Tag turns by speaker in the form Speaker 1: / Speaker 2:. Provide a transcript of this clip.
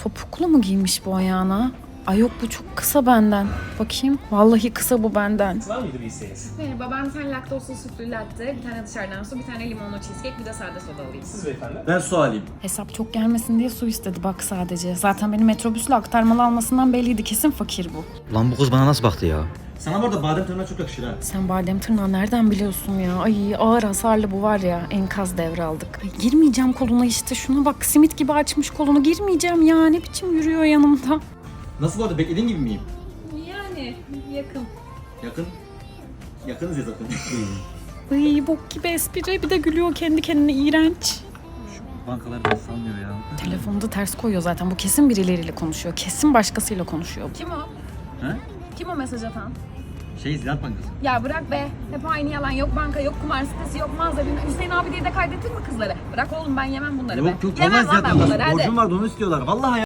Speaker 1: Topuklu mu giymiş bu ayağına? Ay yok, bu çok kısa benden. Bakayım. Vallahi kısa bu benden.
Speaker 2: Var mıydı bir isteğiniz?
Speaker 3: Merhaba, ben bir tane laktozsuz sütlü latte, bir tane dışarıdan su, bir tane limonlu cheesecake, bir de sade soda alayım.
Speaker 2: Siz beyefendi.
Speaker 4: Ben su alayım.
Speaker 1: Hesap çok gelmesin diye su istedi bak sadece. Zaten beni metrobüsle aktarmalı almasından belliydi. Kesin fakir bu.
Speaker 5: Lan bu kız bana nasıl baktı ya?
Speaker 4: Sana bu arada badem tırnağı çok yakışır ha.
Speaker 1: Sen badem tırnağı nereden biliyorsun ya? Ay ağır hasarlı bu var ya. Enkaz devraldık. Ay, girmeyeceğim koluna işte. Şuna bak, simit gibi açmış kolunu. Girmeyeceğim ya. Ne biçim yürüyor yanımda.
Speaker 4: Nasıl bu arada, beklediğin gibi miyim?
Speaker 3: Yani yakın.
Speaker 4: Yakın. Yakınız ya zaten.
Speaker 1: Ay bok gibi espri. Bir de gülüyor kendi kendine, iğrenç.
Speaker 5: Bankalar da sanmıyor ya.
Speaker 1: Telefonu da ters koyuyor zaten. Bu kesin birileriyle konuşuyor. Kesin başkasıyla konuşuyor.
Speaker 3: Kim o?
Speaker 5: He?
Speaker 3: Kim o mesaj atan?
Speaker 5: Ziraat Bankası.
Speaker 3: Ya bırak be. Hep aynı yalan. Yok banka, yok kumar sitesi, yok mağaza. Bilmem. Hüseyin abi diye de kaydettin mi kızları? Bırak oğlum, ben yemem bunları be.
Speaker 4: Yok
Speaker 3: Yemem
Speaker 4: vallahi
Speaker 3: lan ben bunları, hadi.
Speaker 4: borcum vardı, onu istiyorlar. Vallahi ya.